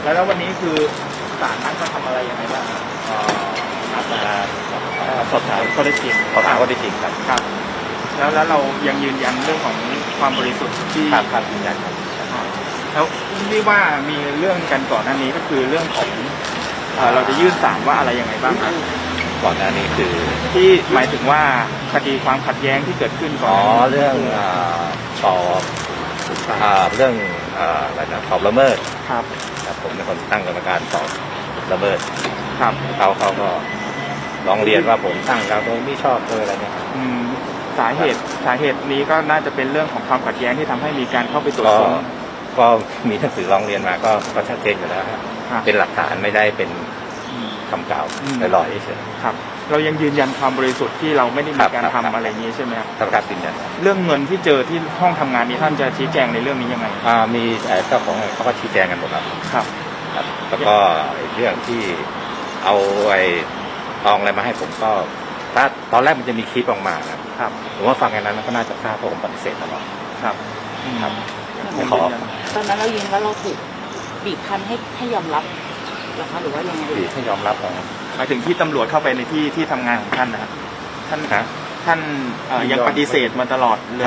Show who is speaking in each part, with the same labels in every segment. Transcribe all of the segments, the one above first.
Speaker 1: แล้ววันนี้คือศาลนัดมาทำอะไรยังไงบ้าง
Speaker 2: นัดมา
Speaker 1: สอบถามข้อเท็จจริง
Speaker 2: ครับ
Speaker 1: ครับแล้วเรายังยืนยันเรื่องของความบริสุทธิ์ที่
Speaker 2: ครับยืนยันครับ
Speaker 1: แล้วที่ว่ามีเรื่องกันก่อนหน้านี้ก็คือเรื่องของเราจะยื่นศาลว่าอะไรยังไงบ้างครับ
Speaker 2: ก่อนหน้านี้คือ
Speaker 1: ที่หมายถึงว่าคดีความขัดแย้งที่เกิดขึ้นก่อน
Speaker 2: เรื่องสอบเรื่องอะไรนะสอบละเมิด
Speaker 1: ครับ
Speaker 2: ผมเป็นคนตั้งกรรมการสอบละเมิด
Speaker 1: ครับ
Speaker 2: เขาก็ร้องเรียนว่าผมตั้งเราโดยไม่ชอบเลยอะไรเนี่ย
Speaker 1: สาเหตุนี้ก็น่าจะเป็นเรื่องของความขัดแย้งที่ทำให้มีการเข้าไปตรวจค้น
Speaker 2: ก็มีหนังสือร้องเรียนมาก็ชัดเจนอยู่แล้วเป็นหลักฐานไม่ได้เป็นคำกล่าวลอยๆเฉย
Speaker 1: ครับเรายังยืนยันความบริสุทธิ์ที่เราไม่ได้มีการทำอะไรอย่างนี้ใช่ไหมครับ
Speaker 2: ครับยืนยัน
Speaker 1: เรื่องเงินที่เจอที่ห้องทำงานนี้ท่านจะชี้แจงในเรื่องนี้ยังไง
Speaker 2: มีเจ้าของเขาก็ชี้แจงกันหมดแล้ว
Speaker 1: ครับ
Speaker 2: แล้วก็เรื่องที่เอาไอ้ทองอะไรมาให้ผมก็ถ้าตอนแรกมันจะมีคลิปออกมา
Speaker 1: ครับ
Speaker 2: ผมว่าฟังกันนั้นก็น่าจะทราบเพราะผมปฏิเสธตลอด
Speaker 1: ครับ
Speaker 2: ขอ
Speaker 3: ตอนนั้นเรายืนว่าเราถูกบีบคั้นให้ยอมรับหรอคะหรือว่ายังไง
Speaker 2: บีบให้ยอมรับ
Speaker 1: หมายถึงที่ตำรวจเข้าไปในที่ทำงานของท่านนะครับท่านยังปฏิเสธมาตลอดเลย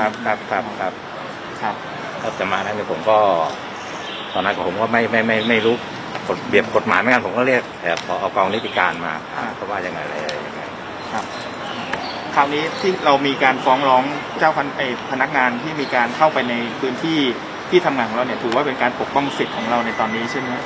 Speaker 2: ครับจะมาได้เนี่ยผมก็ตอนนั้นผมก็ไม่รู้เบียบกฎหมายเหมือนกันผมก็เรียกพอเอากองนิติการมาเพราะว่ายังไงอะไรยังไง
Speaker 1: ครับคราวนี้ที่เรามีการฟ้องร้องเจ้าพนักงานที่มีการเข้าไปในพื้นที่ที่ทำงานของเราเนี่ยถือว่าเป็นการปกป้องสิทธิ์ของเราในตอนนี้ใช่ไหม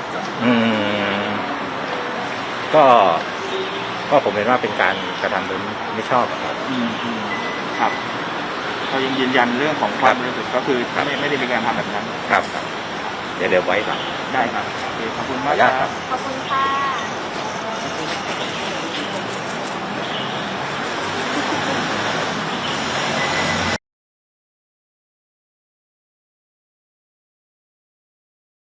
Speaker 2: ก็ผมเห็นว่าเป็นการกระทำโดยไม่ชอบ
Speaker 1: ครับเรายังยืนยันเรื่องของความบริสุทธิ์ก็คือไม่ได้มีการทำแบบนั้น
Speaker 2: ครับเดี๋ยวไว้ก่อน
Speaker 1: ได้ครับขอบคุณมากครับ
Speaker 3: ขอบคุณค่ะ